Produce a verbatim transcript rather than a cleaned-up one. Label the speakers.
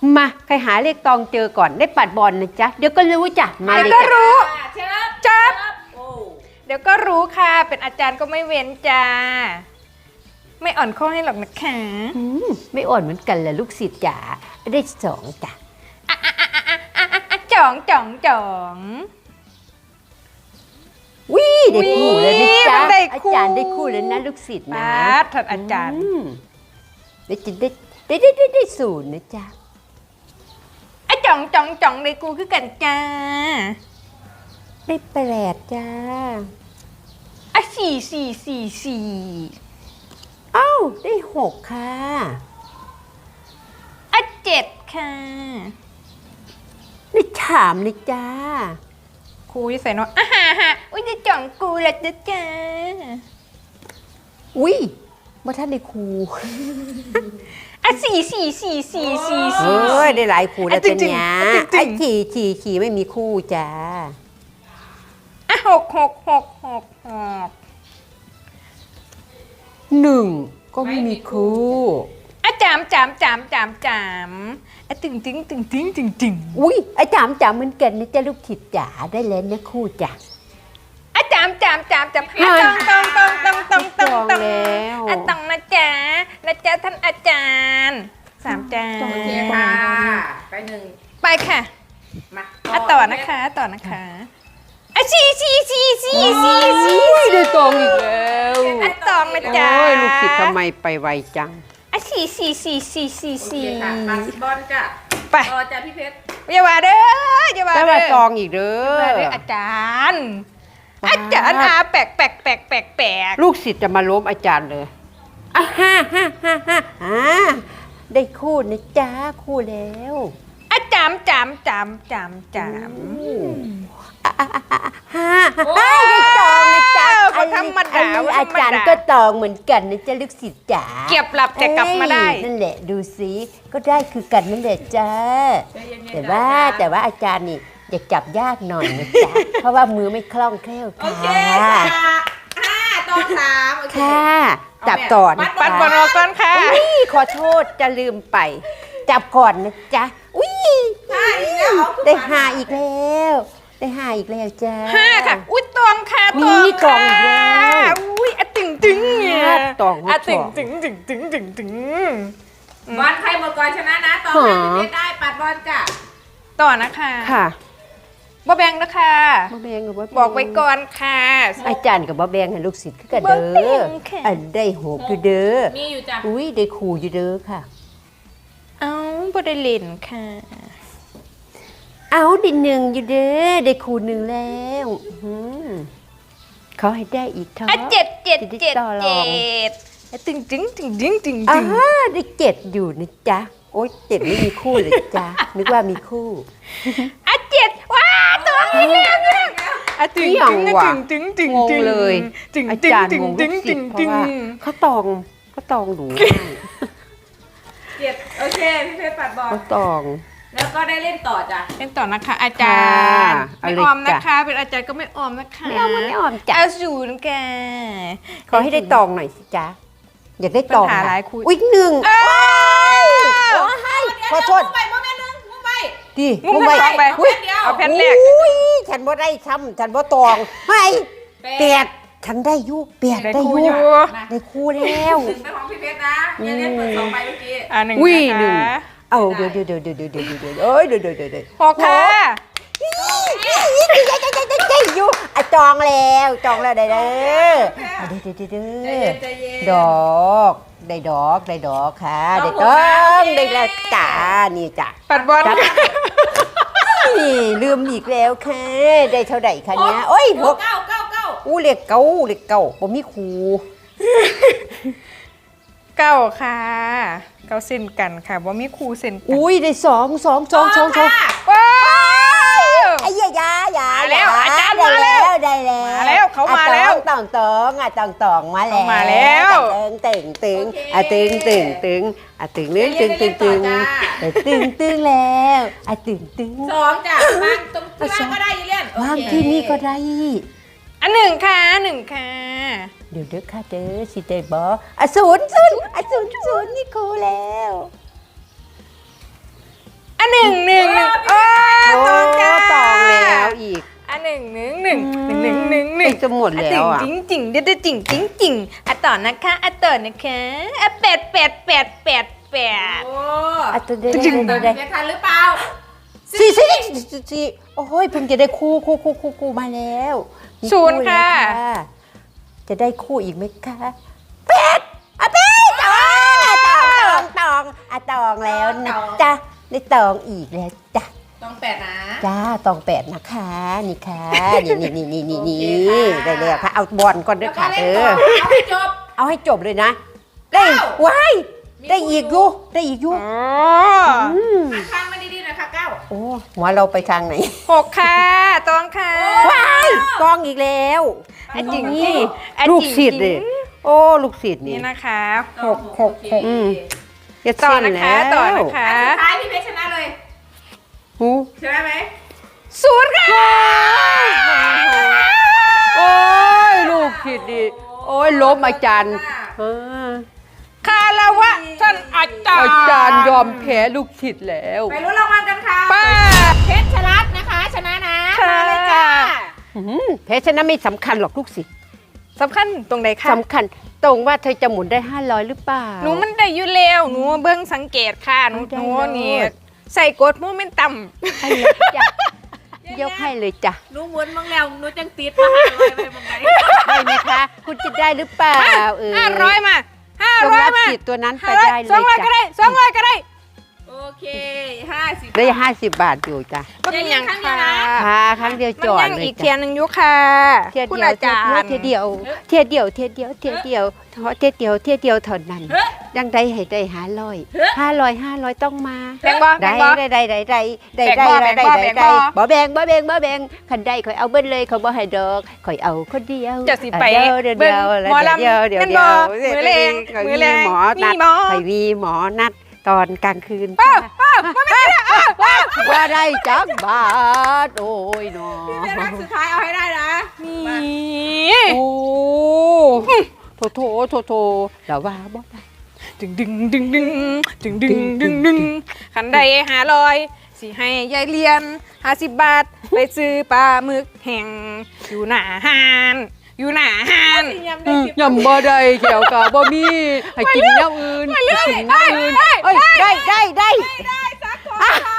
Speaker 1: มาใครหาเลขตองเจอก่อนได้ปัดบอลนะจ๊ะเดี๋ยวก็รู้จ้ะมาเลย
Speaker 2: ก็
Speaker 1: จ้ะ
Speaker 2: รู้
Speaker 3: เชิบ
Speaker 2: จับ
Speaker 3: โอ้
Speaker 2: เดี๋ยวก็รู้ค่ะเป็นอาจารย์ก็ไม่เว้นจ้าไม่อ่อนข้อให้หรอกนะคะ
Speaker 1: อืมไม่อ่อนเหมือนกันแหละลูกศิษย์จ๋าได้สองจ้ะ
Speaker 2: อะจ่องจ่องจ่อง
Speaker 1: วิได้คู่เลยนะจ๊ะ
Speaker 2: มันได้
Speaker 1: อา
Speaker 2: คู่
Speaker 1: จารย์ได้คู่แล้วนะลูกศิษย์นะ
Speaker 2: บาสท่านอาจารย์
Speaker 1: มได้จะได้ได้ได้ได้ได้ศูนย์นะจ๊ะ
Speaker 2: อะจ่องจ่องจ่องเลยกูคือกันจ้า
Speaker 1: ได้แปดจ้า
Speaker 2: อะสี่สี่สี่สี่
Speaker 1: เอ้าได้หกค่ะ
Speaker 2: อะเจ็ดค่ะ
Speaker 1: ได้สามเลยจ้า
Speaker 2: ครูจะใส่เนาะอ่ะฮะฮะอุ้ยจะจ่องกูละจ้าจ้า
Speaker 1: อุ้ยว่าท่านได้ครู
Speaker 2: อะสี่สี่สี่สี่สี่
Speaker 1: เอ
Speaker 2: สี่
Speaker 1: ้ยได้หลายครูแล้ว
Speaker 2: อ่ะจริ
Speaker 1: จ้ะ
Speaker 2: งๆ
Speaker 1: เนี่ย
Speaker 2: อ่ะจริงๆ
Speaker 1: ไอ้ขี่ขี่ขี่ไม่มีคู่จ้า
Speaker 2: อะหกหกหกหกหก
Speaker 1: หนึ่งก็ไม่มีคู่
Speaker 2: อะจามจามจามจามจามอะตึงตึงตึงตึงตึงตึง
Speaker 1: อุ้ยไอ้จามจามเหมือนกันนะจ๊ะลูกศิษย์จ๋าได้แล้วนะคู่จ้ะ
Speaker 2: อะจามจามจามจามอะตองตองตองตองตองตองตอง
Speaker 1: แล้ว
Speaker 2: อะตองนะจ๊ะนะจ๊ะท่านอาจารย์สามจา
Speaker 3: โอเคน ค่ะ ไปหนึ่ง
Speaker 2: ไปค่ะ
Speaker 3: มา
Speaker 2: อะต่อนะคะต่อนะคะอะสี่สี่สี่สี่สี่สี่
Speaker 1: อุ้ยได้ตองอีกแล้ว
Speaker 2: อะตองนะจ๊ะ
Speaker 1: โอ้ยลูกศิษย์ทำไมไปไวจัง
Speaker 2: อะสี่สี่สี่สี่สี่
Speaker 3: โอเค
Speaker 2: สี่
Speaker 3: ค่ะมาสิบอลจ้ะ
Speaker 2: ไป
Speaker 3: ต่อจ้ะพี่เพชร
Speaker 2: อย่าว่าเด้ออย่าว่า
Speaker 1: แล้ว
Speaker 2: เด้
Speaker 1: มา
Speaker 2: อ
Speaker 1: ตองอีกเด้
Speaker 2: อย่าว่า
Speaker 1: อ
Speaker 2: เด้ออาจารย์
Speaker 1: ว้าว
Speaker 2: อาจารย์อาแปลกแปลกแปลกแปลกแปลก
Speaker 1: ลูกศิษย์จะมาล้มอาจารย์เลยอ่ะฮ่าฮ่าฮ่าฮ่าฮ่าได้คู่นะจ๊ะคู่แล้ว
Speaker 2: อาจามจามจามจามจาม
Speaker 1: อ่ะอ่ะอ่ะอ่ะฮ่าฮ่าได้ตองนะจ๊ะ
Speaker 2: ก็ธรรมดา
Speaker 1: อันนี้
Speaker 2: ว่าธ
Speaker 1: อา
Speaker 2: รรม
Speaker 1: จารย์
Speaker 2: ดา
Speaker 1: ก็ตองเหมือนกันนะจ๊ะลูกศิษย์จ๋า
Speaker 2: เก็บหลับแต่กลับมาได้
Speaker 1: เอ้ยนั่นแหละดูสิก็ได้คือกันนั่นแหละจ้า
Speaker 3: ใจเย็นๆ
Speaker 1: แต่
Speaker 3: จ้ะ
Speaker 1: ว่าแต่ว่าอาจารย์นี่จะจับยากหน่อยนะจ๊ะ เพราะว่ามือไม่คล่องแคล่ว
Speaker 3: โอ
Speaker 1: ค่ะ
Speaker 3: เคค่ะห้าต่อสามโอเค
Speaker 1: ค่ะจับต่อนะ
Speaker 2: ปัด
Speaker 1: จ๊ะ
Speaker 2: บอลออกก่อนค่ะ
Speaker 1: อุ้ยขอโทษจะลืมไป จับก่อนนะจ๊ะอุ้ย
Speaker 3: ห้าอีกแล้วเอาขึ้น
Speaker 1: ได้
Speaker 3: มา
Speaker 1: หาอีกแล้ว ได้หาอีกแล้วจ้า
Speaker 2: ห้าค่ะ อุ้ยตองค่ะ
Speaker 1: มี
Speaker 2: ตอง
Speaker 1: ตองอีกแล้ว
Speaker 2: อุ้ยอะตึงตึงเนี่ย
Speaker 1: ตองหัว
Speaker 2: อะตึง
Speaker 1: ตอง
Speaker 2: ตึงตึงตึงตึงตึง
Speaker 3: บอลใครหมดก่อนชนะนะต่อ
Speaker 1: หา
Speaker 3: ให้พี่เพชรได้ปัดบอลจ้ะ
Speaker 2: ต่อนะคะ
Speaker 1: ค่ะ
Speaker 2: บ่แบงนะคะ
Speaker 1: บ่แบงกับบ่แบง
Speaker 2: บอกไว้ก่อนค่ะ
Speaker 1: อาจารย์กับบ่แบงให้ลูกศิษย์คือกัน
Speaker 2: บ่
Speaker 1: เด้
Speaker 2: แบ่
Speaker 1: อง
Speaker 2: ค่ะ
Speaker 1: อันได้หกอยู่เด้อ
Speaker 3: มีอยู่จ้ะ
Speaker 1: อุ้ยได้ครูอยู่เด้อค่ะ
Speaker 2: เอ้าบ่ได้เล่นค่ะ
Speaker 1: เอาได้หนึ่งอยู่เด้อได้ครูหนึ่งแล้วอื้อหือเขาให้ได้อีกเท่า
Speaker 2: อ่ะเจ็ดเจ็ด
Speaker 1: จะได้
Speaker 2: เจ็ด
Speaker 1: ต่อร
Speaker 2: เจ็
Speaker 1: อง
Speaker 2: ดอ่ะตึงตึงตึงตึงตึง
Speaker 1: อ่า
Speaker 2: ตึง
Speaker 1: ได้เจ็ดอยู่นะจ๊ะโอ๊ยเจ็ดไม่มีคู่เลยจ้ะนึกว่ามีคู่
Speaker 2: อ่ะเจ็ดว้าตัวนี้แล้วเนี่ยอ่ะตึง
Speaker 1: เอี่ย
Speaker 2: ตึ
Speaker 1: ง
Speaker 2: ง
Speaker 1: ว่ะ
Speaker 2: ตึงตึงตึง
Speaker 1: งง
Speaker 2: ตึง
Speaker 1: เลย
Speaker 2: ตึง
Speaker 1: อา
Speaker 2: ตึง
Speaker 1: จารย์
Speaker 2: ตึง
Speaker 1: งง
Speaker 2: ตึ
Speaker 1: ลู
Speaker 2: ง
Speaker 1: กศิ
Speaker 2: ตึ
Speaker 1: ษ
Speaker 2: ง
Speaker 1: ย์เพ
Speaker 2: ตึ
Speaker 1: ราะ
Speaker 2: ง
Speaker 1: ว่าเขาตองเขาตองหนูง่าย
Speaker 3: เจ็ดโอเคพี่เพชรปัดบอล
Speaker 1: เขาตอง
Speaker 3: แล้วก็ได้เล่นต่อจ้ะ
Speaker 2: เล่นต่อนะคะ อาจารย์
Speaker 1: ค่ะเอา
Speaker 2: ไม่
Speaker 1: เลย
Speaker 2: ออมนะ
Speaker 1: จ้ะ
Speaker 2: คะ เป็นอาจารย์ก็ไม่ออมนะคะ
Speaker 1: ไม่เอาไม่ออมจ้ะ
Speaker 2: อาศูนย์แก
Speaker 1: ขอให้ได้ตองหน่อยสิจ๊ะอยากได้ตอง
Speaker 2: ปัญหา
Speaker 1: อะ
Speaker 2: หลายคู่
Speaker 1: อุ๊ยหนึ่ง
Speaker 2: เอ้ย
Speaker 1: โอ้ยขอโทษ
Speaker 3: มุ้งไปมุ้งไปนึงมุ้งไป
Speaker 1: ดิ
Speaker 2: งุ้มไปไป
Speaker 3: อุ๊ยเดียว
Speaker 2: เอาแผ่นแรก
Speaker 1: อุ้ยฉันบ่ได้ซ้ำฉันบ่ตองให้
Speaker 3: แป
Speaker 1: แป
Speaker 3: ด
Speaker 1: ดฉันได้อยุแปด
Speaker 2: ได้
Speaker 1: ได้
Speaker 2: คู่
Speaker 1: อ
Speaker 2: อ
Speaker 1: ยุ
Speaker 2: ยู่
Speaker 1: ได้คู่แล้ว
Speaker 3: หนึ่งเป็นของพี่เพชรนะเดี๋ยวเล่นเปิดสองไปเมื่อกี้
Speaker 2: อ่ะหนึ่ง
Speaker 1: อุ้ย
Speaker 2: นะ
Speaker 1: หนึ่ง
Speaker 2: คะ
Speaker 1: เอาเดี๋ยวเดี๋ยวเดี๋ยวเดี๋ยวเดี๋ยวเดี๋ยวเดี๋ยวเอ้ยเดี๋ยวเดี๋ยวเดี๋ยวเดี๋ยว
Speaker 2: หกค่ะ
Speaker 1: ได้อยู่อ่ะจองแล้วจองแล้วได้เด้ออ่ะเดี๋ยวเดี๋ยวเดี๋ยวเดี๋
Speaker 3: ใจ
Speaker 1: ยว
Speaker 3: เย็นใจเย็น
Speaker 1: ดอกได้ดอกได้ดอกค่ะได้ต้องได้แล้วจ้านี่จ้ะ
Speaker 2: ปัดบอล
Speaker 1: ครับ
Speaker 2: ค่ะ
Speaker 1: นี่ลืมอีกแล้วค่ะได้เท่าไหร่คะเนี้ยโอ้ยหก
Speaker 3: เก้าเก้าเก้า
Speaker 1: อู้เลขเก้าเลขเก้าผมมีครู
Speaker 2: เก้าค่ะเก้าเส้นกันค่ะว่ามีครูเส้นกัน
Speaker 1: อุ้ยได้สองสองสองสองสอง
Speaker 3: ค่ะ
Speaker 2: ว้าว
Speaker 1: ไอ้ยายายา
Speaker 2: มาแล้ว
Speaker 1: ย
Speaker 2: อาจารย์
Speaker 1: ได้
Speaker 2: มาแล้ว
Speaker 1: ได้แล้ว
Speaker 2: มาแล้วเขามาแล้ว
Speaker 1: ตองตองอ่ะตองตองมาแล้ว
Speaker 2: เขามาแล้ว
Speaker 1: ตึงตึงตึงอ่ะตึงตึงตึงอ่ะตึงตึงตึงตึงตึงอ่ะตึงตึงแล้วอ่ะตึงตึง
Speaker 3: สองจ้ะวางตรงที่ว่างก็ได้ยีเลียน
Speaker 1: วางที่นี่ก็ได้
Speaker 2: อันหนึ่งค่ะหนึ่งค่ะ
Speaker 1: เดี๋ยวเด้อค่ะเด้อสิได้บ่อ่ะศูนย์ศูนย์อ่ะศูนย์ศูนย์นี่ครูแล้วจะหมดแล้วอ่ะ
Speaker 2: จริงจริงเด็ดจริงจริงจริงอ่ะต่อนะคะอ่ะต่อนะคะอ่ะเป็ดเป็ดเป็ดเป็ดเป็ด
Speaker 3: โอ้
Speaker 1: อ่ะตัวได้
Speaker 3: จริง
Speaker 1: ได้ได้
Speaker 3: จะทันหรือเปล่า
Speaker 1: สี่สี่สี่สี่โอ้ยเพิ่งจะได้คู่คู่คู่คู่คู่มาแล้วมี
Speaker 2: ศูนย์ค่ะ
Speaker 1: แล้วจะได้คู่อีกไหมคะเป็ดอ่ะเป็ดตองตองตองอ่ะตองแล้วนะจ๊ะได้ตองอีกแล้วจ้ะ
Speaker 3: ต้องแปดนะ
Speaker 1: จ้าตองแปดนะคะนี่ค่ะนี่นี่นี่นี่นี่นี่
Speaker 3: โอเคค่ะ
Speaker 1: ได้เลยค่ะเอาบอลก่อนด้
Speaker 3: แล้ว วย ก็
Speaker 1: ค่ะ
Speaker 3: เล่
Speaker 1: เอน
Speaker 3: ต่อ
Speaker 1: อ
Speaker 3: เอาให้จบ
Speaker 1: เอาให้จบเลยนะ ได้
Speaker 3: เก้า
Speaker 1: ว้าย
Speaker 3: มี
Speaker 1: ได้อีกอ
Speaker 3: คู่อยู่
Speaker 1: ยู่ได้อีกอยู่
Speaker 2: อ๋อ
Speaker 1: อืม
Speaker 3: หันข้างมาดีๆหน่อยค่ะเก้า
Speaker 1: โอ้หัวเราไปทางไหน
Speaker 2: หกค่ะตองค่ะ
Speaker 1: ว้ายกองอีกแล้ว
Speaker 2: อ่ะจริง
Speaker 1: นี่
Speaker 2: อ่ะ
Speaker 1: ลูก
Speaker 2: จริง
Speaker 1: ศิษย์เลยโอ้ลูกศิษย์นี่
Speaker 2: นี่นะคะ
Speaker 1: หกหกหก อืม จะ
Speaker 2: ต่อ
Speaker 1: เส้น
Speaker 2: นะคะ
Speaker 1: แล้ว
Speaker 2: ต่อนะคะ
Speaker 3: อันสุดท้ายพี่เพชรชนะเลย
Speaker 1: หู
Speaker 3: ใช่ไหมไหม
Speaker 2: ศูนย์ค่ะ
Speaker 1: โอ้ยลูกศิษย์ดิโอ้ยล้มอาจารย์อ่า
Speaker 2: คาราวะท่านอาจารย์
Speaker 1: อาจารย์ยอมแพ้ลูกศิษย์แล้ว
Speaker 3: ไปลุ้นรางวัลกันค่ะ
Speaker 2: ป้า
Speaker 3: เพชรชลัดนะคะ ชนะนะ
Speaker 2: ค่ะ
Speaker 3: มาเลยจ้า
Speaker 1: อืมแพ้ชนะไม่สำคัญหรอกลูกศิษย์
Speaker 2: สำคัญตรงไหนคะ
Speaker 1: สำคัญตรงว่าเธอจะหมุนได้ห้าร้อยหรือเปล่า
Speaker 2: หนูมันได้อยู่แล้วหนูเบิ้งสังเกตค่ะหนู
Speaker 1: ได้
Speaker 2: หนู
Speaker 1: เลย
Speaker 2: นี่ใส่กดโมเมนตัม
Speaker 1: ให้เลยจ้ะยกให้เลยจ้ะ
Speaker 3: หนูหมุนบ้างแล้วหนูจังติดมาให้เลยไปบ้างไหน
Speaker 1: ได้ไหมคะ คุณจะได้หรือเปล่าเออ
Speaker 2: ห้าร้อยมาห้า
Speaker 1: จง
Speaker 2: ร้อย
Speaker 1: รับ
Speaker 2: มา
Speaker 1: สิทธิ์ตัวนั้นไป
Speaker 2: ห้าร้อย
Speaker 1: ได้เล
Speaker 2: สอง
Speaker 1: ย
Speaker 2: ร้อยก็
Speaker 1: จ้ะ
Speaker 2: ได้สองร้อยก็ได้
Speaker 3: โอเคห้าสิบ
Speaker 1: ได้ห้าสิบบาทอยู่จ้ะ
Speaker 2: ก็เป็นอย่าง
Speaker 3: ครั้งเดียว
Speaker 2: ค่ะ
Speaker 3: นะ
Speaker 1: ค่ะครั้งเดียว
Speaker 2: มัน
Speaker 1: จอด
Speaker 2: ยัง
Speaker 1: เลย
Speaker 2: อีกเทีย
Speaker 1: จ้ะ
Speaker 2: นหนึ่งอยุค่ะ
Speaker 1: เที่ยว
Speaker 2: คุณ
Speaker 1: เดียว
Speaker 2: อาจารย์
Speaker 1: เที่ยวเดียวเที่ยวเดียวเที่ยวเดียวเที่ยวเดียวเที่ยวเดียวเที่ยวเดียวเท่านั้นยังได้ให้ได้ห้าร้อยห้าร้อยห้าร้อยต้องมา
Speaker 2: แบงค์บอแบ
Speaker 1: ได้
Speaker 2: งค์บอ
Speaker 1: ได้ได้ได้ได้ได้
Speaker 2: แบ่
Speaker 1: ได้
Speaker 2: งบ่
Speaker 1: ได้
Speaker 2: แบ่
Speaker 1: ได้
Speaker 2: งบ่
Speaker 1: ได้
Speaker 2: แบ่งบ่
Speaker 1: บ่แบ่งบ่แบ่งบ่แบ่งคันได้ข่อยเอาเบิ้ลเลยเขาบ่ให้ดอกข่อยเอาคนเดียว
Speaker 2: จะสิไป
Speaker 1: เดี๋ยวเดี๋ยว
Speaker 2: เบิ่
Speaker 1: เดี๋
Speaker 2: ง
Speaker 1: ยว
Speaker 2: หมอลำ
Speaker 1: เดี๋ยวเดี๋ยว
Speaker 2: แม่น
Speaker 1: เดี๋
Speaker 2: บ่
Speaker 1: ยว
Speaker 2: มื้อแลง
Speaker 1: ข่อย
Speaker 2: มื้อ
Speaker 1: มี
Speaker 2: แลง
Speaker 1: หมอนัด
Speaker 2: มีหมอ
Speaker 1: ข่อยมีหมอนัดตอนกลางคืน
Speaker 2: ป้าป้าป้าไม่ได้อ่ะป้า
Speaker 1: ว่าได้จักบาทโอ้ยหนอ
Speaker 3: เพชรรักสุดท้ายเอาให้ได้นะ
Speaker 2: นี่
Speaker 1: โอ้โถโถโถโถแล้วว่าบ่ได้
Speaker 2: ดึงดึงดึงดึงดึงดึงดึงดึงขันใดหาลอยสิให้ยายเรียนห้าสิบบาท ไปซื้อปลาหมึกแห้งอยู่หน้าห้านอยู่หน้าห้าน
Speaker 3: ยำได้สิบ
Speaker 1: ยำบ่ได้แขวกะบ่มีให้กินแนวอื่นให้กินแนวอื่นเอ้ยได้ได้ได้
Speaker 3: ได้สักคนค่ะ